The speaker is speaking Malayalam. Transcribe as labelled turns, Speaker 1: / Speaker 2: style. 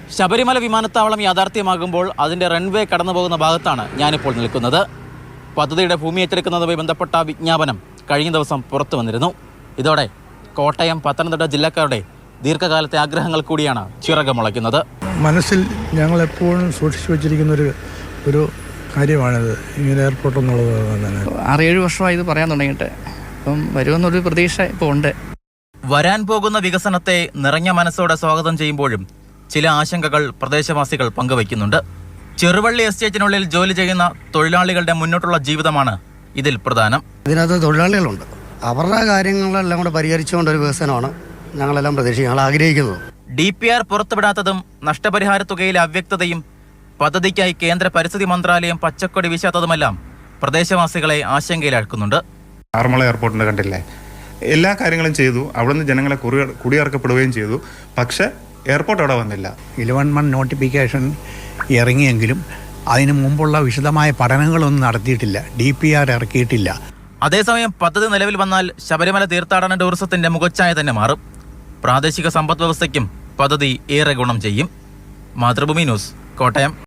Speaker 1: ശബരിമല വിമാനത്താവളം യാഥാർത്ഥ്യമാകുമ്പോൾ അതിൻ്റെ റൺവേ കടന്നു പോകുന്ന ഭാഗത്താണ് ഞാനിപ്പോൾ നിൽക്കുന്നത്. പദ്ധതിയുടെ ഭൂമി ഏറ്റെടുക്കുന്നതുമായി ബന്ധപ്പെട്ട വിജ്ഞാപനം കഴിഞ്ഞ ദിവസം പുറത്തു വന്നിരുന്നു. ഇതോടെ കോട്ടയം, പത്തനംതിട്ട ജില്ലക്കാരുടെ ദീർഘകാലത്തെ ആഗ്രഹങ്ങൾ കൂടിയാണ് ചിറകുമുളയ്ക്കുന്നത്.
Speaker 2: മനസ്സിൽ ഞങ്ങൾ എപ്പോഴും സൂക്ഷിച്ചു വച്ചിരിക്കുന്ന ഒരു കാര്യമാണിത്, ഇങ്ങനെ എയർപോർട്ട് എന്നുള്ളത്.
Speaker 3: 6-7 വർഷമായി ഇത് പറയാൻ തുടങ്ങിയിട്ട്, അപ്പം വരുമെന്നൊരു പ്രതീക്ഷ ഇപ്പോൾ ഉണ്ട്.
Speaker 1: വരാൻ പോകുന്ന വികസനത്തെ നിറഞ്ഞ മനസ്സോടെ സ്വാഗതം ചെയ്യുമ്പോഴും ചില ആശങ്കകൾ പ്രദേശവാസികൾ പങ്കുവയ്ക്കുന്നുണ്ട്. ചെറുവള്ളി എസ്റ്റേറ്റിനുള്ളിൽ ജോലി ചെയ്യുന്ന തൊഴിലാളികളുടെ മുന്നോട്ടുള്ള ജീവിതമാണ് ഇതിൽ പ്രധാനം.
Speaker 4: ഇതിനകത്ത് തൊഴിലാളികളുണ്ട്, അവരുടെ കാര്യങ്ങളെല്ലാം കൂടെ പരിഹരിച്ചുകൊണ്ട് ഒരു വികസനമാണ് ഞങ്ങളെല്ലാം ഞങ്ങൾ ആഗ്രഹിക്കുന്നത്.
Speaker 1: DPR പുറത്തുവിടാത്തതും നഷ്ടപരിഹാര തുകയിലെ അവ്യക്തതയും പദ്ധതിക്കായി കേന്ദ്ര പരിസ്ഥിതി മന്ത്രാലയം പച്ചക്കൊടി വീശാത്തതുമെല്ലാം പ്രദേശവാസികളെ ആശങ്കയിലാക്കുന്നുണ്ട്.
Speaker 5: ആറന്മുള എയർപോർട്ടിൻ്റെ കണ്ടില്ലേ, എല്ലാ കാര്യങ്ങളും ചെയ്തു, അവിടുന്ന് ജനങ്ങളെ കുടിയിറക്കപ്പെടുകയും ചെയ്തു. പക്ഷേ എയർപോർട്ട് അവിടെ വന്നില്ല.
Speaker 2: 11 നോട്ടിഫിക്കേഷൻ ഇറങ്ങിയെങ്കിലും അതിനു മുമ്പുള്ള വിശദമായ പഠനങ്ങളൊന്നും നടത്തിയിട്ടില്ല, DPR ഇറക്കിയിട്ടില്ല.
Speaker 1: അതേസമയം പദ്ധതി നിലവിൽ വന്നാൽ ശബരിമല തീർത്ഥാടന ടൂറിസത്തിന്റെ മുഖച്ഛായ തന്നെ മാറും. പ്രാദേശിക സമ്പദ് വ്യവസ്ഥയ്ക്കും പദ്ധതി ഏറെ ഗുണം ചെയ്യും. മാതൃഭൂമി ന്യൂസ്, കോട്ടയം.